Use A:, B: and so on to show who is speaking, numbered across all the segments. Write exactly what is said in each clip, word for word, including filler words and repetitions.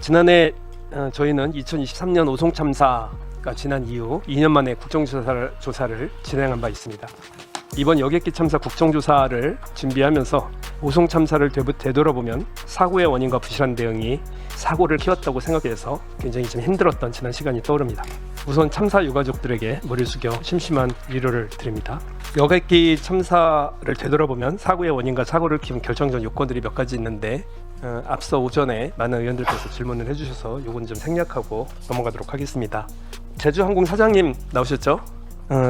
A: 지난해 어, 저희는 이천이십삼 년 오송 참사가 지난 이후 이 년 만에 국정조사를 조사를 진행한 바 있습니다. 이번 여객기 참사 국정조사를 준비하면서 오송 참사를 되돌아보면 사고의 원인과 부실한 대응이 사고를 키웠다고 생각해서 굉장히 좀 힘들었던 지난 시간이 떠오릅니다. 우선 참사 유가족들에게 머리를 숙여 심심한 위로를 드립니다. 여객기 참사를 되돌아보면 사고의 원인과 사고를 키운 결정적 요건들이 몇 가지 있는데 어, 앞서 오전에 많은 의원들께서 질문을 해주셔서 요건 좀 생략하고 넘어가도록 하겠습니다. 제주항공 사장님 나오셨죠? 어,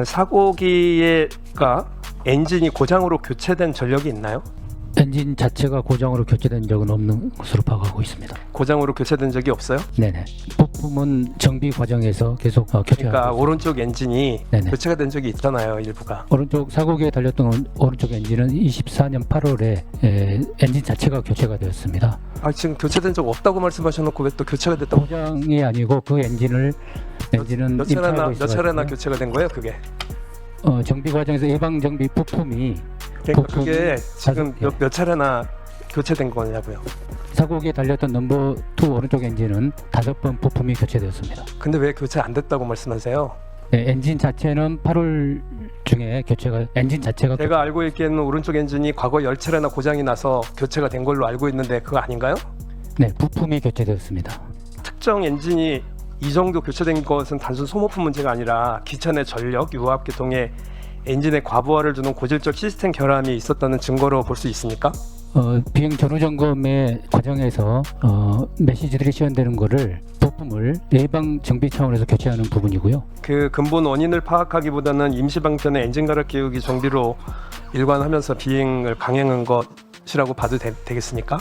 A: 사고기가 엔진이 고장으로 교체된 전력이 있나요?
B: 엔진 자체가 고장으로 교체된 적은 없는 것으로 파악하고 있습니다.
A: 고장으로 교체된 적이 없어요?
B: 네네. 부품은 정비 과정에서 계속 어, 교체하고
A: 그러니까
B: 있습니다.
A: 오른쪽 엔진이
B: 네네.
A: 교체가 된 적이 있잖아요, 일부가.
B: 오른쪽 사고기에 달렸던 오- 오른쪽 엔진은 이십사 년 팔월에 에, 엔진 자체가 교체가 되었습니다.
A: 아, 지금 교체된 적 없다고 말씀하셔놓고 왜 또 교체가 됐다고?
B: 고장이 아니고 그 엔진을 엔진은
A: 몇 차례나
B: 임차하고
A: 몇 차례나
B: 있어가지고요.
A: 교체가 된 거예요, 그게?
B: 어, 정비 과정에서 예방 정비 부품이
A: 그러니까
B: 부품이
A: 그게 지금
B: 다섯 개.
A: 몇, 몇 차례나 교체된 거냐고요.
B: 사고기에 달렸던 넘버 투 오른쪽 엔진은 다섯 번 부품이 교체되었습니다.
A: 근데 왜 교체 안 됐다고 말씀하세요?
B: 네, 엔진 자체는 팔월 중에 교체가 엔진 자체가
A: 제가 알고 있기에는 오른쪽 엔진이 과거 열 차례나 고장이 나서 교체가 된 걸로 알고 있는데 그거 아닌가요?
B: 네, 부품이 교체되었습니다.
A: 특정 엔진이 이 정도 교체된 것은 단순 소모품 문제가 아니라 기차 내 전력, 유압 계통에 엔진의 과부하를 주는 고질적 시스템 결함이 있었다는 증거로 볼 수 있습니까?
B: 어, 비행 전후 점검의 과정에서 어, 메시지들이 시연되는 것을 부품을 예방 정비 차원에서 교체하는 부분이고요.
A: 그 근본 원인을 파악하기보다는 임시 방편의 엔진 갈아 끼우기 정비로 일관하면서 비행을 강행한 것이라고 봐도 되, 되겠습니까?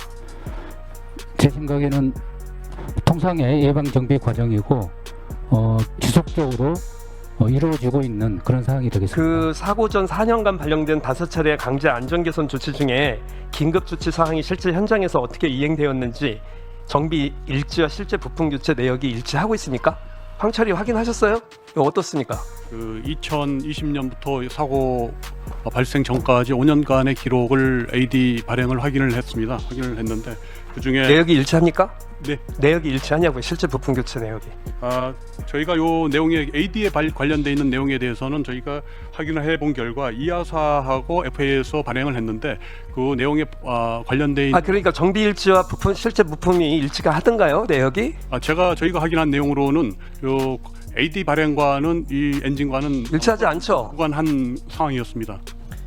B: 제 생각에는 통상의 예방 정비 과정이고 어, 지속적으로 어, 이루어지고 있는 그런 사항이 되겠습니다.
A: 그 사고 전 사 년간 발령된 다섯 차례 강제 안전 개선 조치 중에 긴급 조치 사항이 실제 현장에서 어떻게 이행되었는지 정비 일지와 실제 부품 교체 내역이 일치하고 있습니까? 황철이 확인하셨어요? 이거 어떻습니까?
C: 그 이천이십 년부터 사고 발생 전까지 오 년간의 기록을 에이디 발행을 확인을 했습니다. 확인을 했는데 그 중에
A: 내역이 일치합니까?
C: 네,
A: 내역이 일치하냐고요? 실제 부품 교체 내역이.
C: 아, 저희가 요 내용에 에이디에 관련돼 있는 내용에 대해서는 저희가 확인을 해본 결과 이하사하고 에프에이에서 발행을 했는데 그 내용에 아, 관련돼 있는
A: 아 그러니까 정비 일지와 부품 실제 부품이 일치가 하던가요? 내역이?
C: 아, 제가 저희가 확인한 내용으로는 요 에이디 발행과는 이 엔진과는
A: 일치하지 않죠?
C: 무관한 상황이었습니다.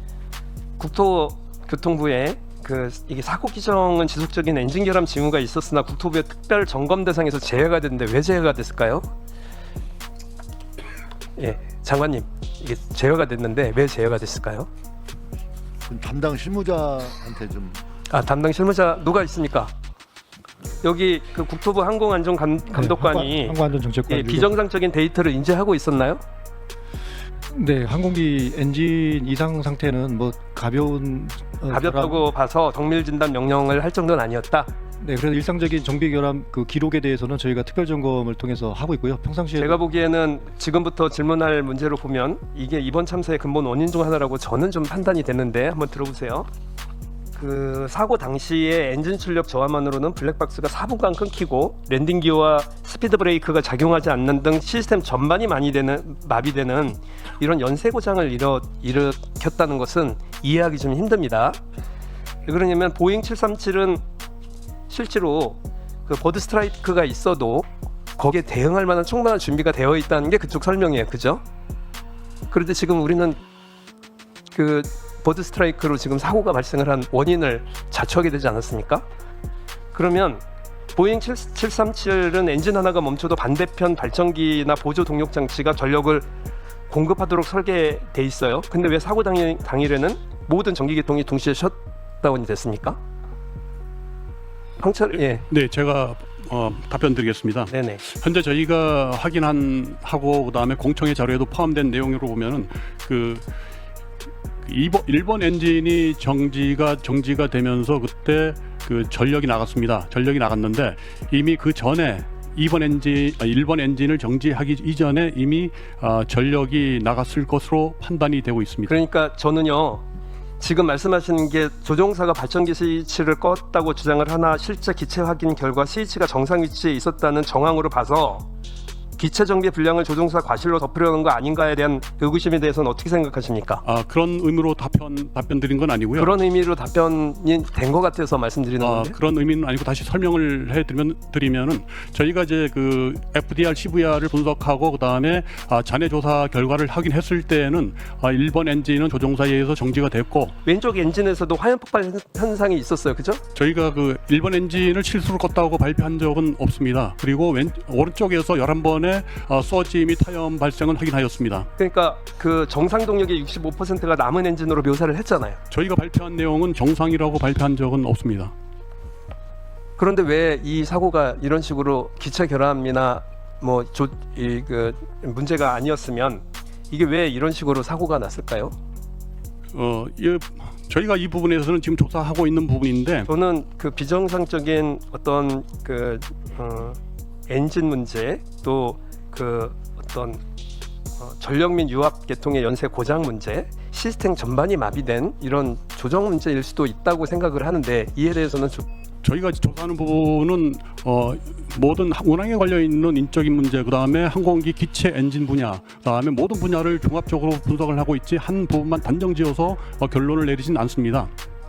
A: 국토교통부에 그 이게 사고 기정은 지속적인 엔진 결함 징후가 있었으나 국토부의 특별 점검 대상에서 제외가 됐는데 왜 제외가 됐을까요? 예, 장관님 이게 제외가 됐는데 왜 제외가 됐을까요?
D: 담당 실무자한테 좀
A: 아 담당 실무자 누가 있습니까? 여기 그 국토부 항공안전감독관이
E: 항공안전정책관
A: 예, 비정상적인 데이터를 인지하고 있었나요?
E: 네, 항공기 엔진 이상 상태는 뭐 가벼운 어,
A: 가볍다고 봐서 정밀 진단 명령을 할 정도는 아니었다.
E: 결함, 네, 그래서 일상적인 정비 결함 그 기록에 대해서는 저희가 특별 점검을 통해서 하고 있고요. 평상시에
A: 제가 보기에는 지금부터 질문할 문제로 보면 이게 이번 참사의 근본 원인 중 하나라고 저는 좀 판단이 되는데 한번 들어보세요. 그 사고 당시에 엔진 출력 저하만으로는 블랙박스가 사 분간 끊기고 랜딩 기어와 스피드 브레이크가 작용하지 않는 등 시스템 전반이 많이 되는 마비되는 이런 연쇄 고장을 일어, 일으켰다는 것은 이해하기 좀 힘듭니다. 왜 그러냐면 보잉 칠삼칠은 실제로 그 버드 스트라이크가 있어도 거기에 대응할 만한 충분한 준비가 되어 있다는 게 그쪽 설명이에요, 그죠? 그런데 지금 우리는 그 버드 스트라이크로 지금 사고가 발생을 한 원인을 자초하게 되지 않았습니까? 그러면 보잉 칠삼칠은 엔진 하나가 멈춰도 반대편 발전기나 보조 동력 장치가 전력을 공급하도록 설계돼 있어요. 근데 왜 사고 당일, 당일에는 모든 전기 계통이 동시에 셧다운이 됐습니까? 황철 예,
C: 네, 제가 어, 답변드리겠습니다.
A: 네네.
C: 현재 저희가 확인한 하고 그다음에 공청회 자료에도 포함된 내용으로 보면은 그 일본, 일본 엔진이 정지가 정지가 되면서 그때 그 전력이 나갔습니다. 전력이 나갔는데 이미 그 전에 이번 엔진, 일본 엔진을 정지하기 이전에 이미 어, 전력이 나갔을 것으로 판단이 되고 있습니다.
A: 그러니까 저는요 지금 말씀하시는 게 조종사가 발전기 스위치를 껐다고 주장을 하나 실제 기체 확인 결과 스위치가 정상 위치에 있었다는 정황으로 봐서 기체 정비 불량을 조종사 과실로 덮으려는 거 아닌가에 대한 의구심에 대해서는 어떻게 생각하십니까?
C: 아, 그런 의미로 답변 답변 드린 건 아니고요.
A: 그런 의미로 답변이 된 것 같아서 말씀드리는
C: 아,
A: 건데.
C: 그런 의미는 아니고 다시 설명을 해드리면 드리면은 저희가 이제 그 에프디알, 씨브이알을 분석하고 그 다음에 아, 잔해 조사 결과를 확인했을 때에는 아, 일 번 엔진은 조종사에 의해서 정지가 됐고
A: 왼쪽 엔진에서도 화염 폭발 현상이 있었어요, 그죠?
C: 저희가 그 일 번 엔진을 실수로 껐다고 발표한 적은 없습니다. 그리고 왼 오른쪽에서 열한 번의 어, 서지 및 타염 발생은 확인하였습니다.
A: 그러니까 그 정상 동력의 육십오 퍼센트가 남은 엔진으로 묘사를 했잖아요.
C: 저희가 발표한 내용은 정상이라고 발표한 적은 없습니다.
A: 그런데 왜 이 사고가 이런 식으로 기체 결함이나 뭐조이그 문제가 아니었으면 이게 왜 이런 식으로 사고가 났을까요?
C: 어, 이, 저희가 이 부분에서는 지금 조사하고 있는 부분인데
A: 저는 그 비정상적인 어떤 그 어, 엔진 문제 또 그 어떤 어, 전력 및 유압 계통의 연쇄 고장 문제, 시스템 전반이 마비된 이런 조정 문제일 수도 있다고 생각을 하는데 이에 대해서는 좀
C: 저희가 조사하는 부분은 어, 모든 운항에 걸려 있는 인적인 문제, 그 다음에 항공기 기체 엔진 분야, 그 다음에 모든 분야를 종합적으로 분석을 하고 있지 한 부분만 단정지어서 어, 결론을 내리진 않습니다.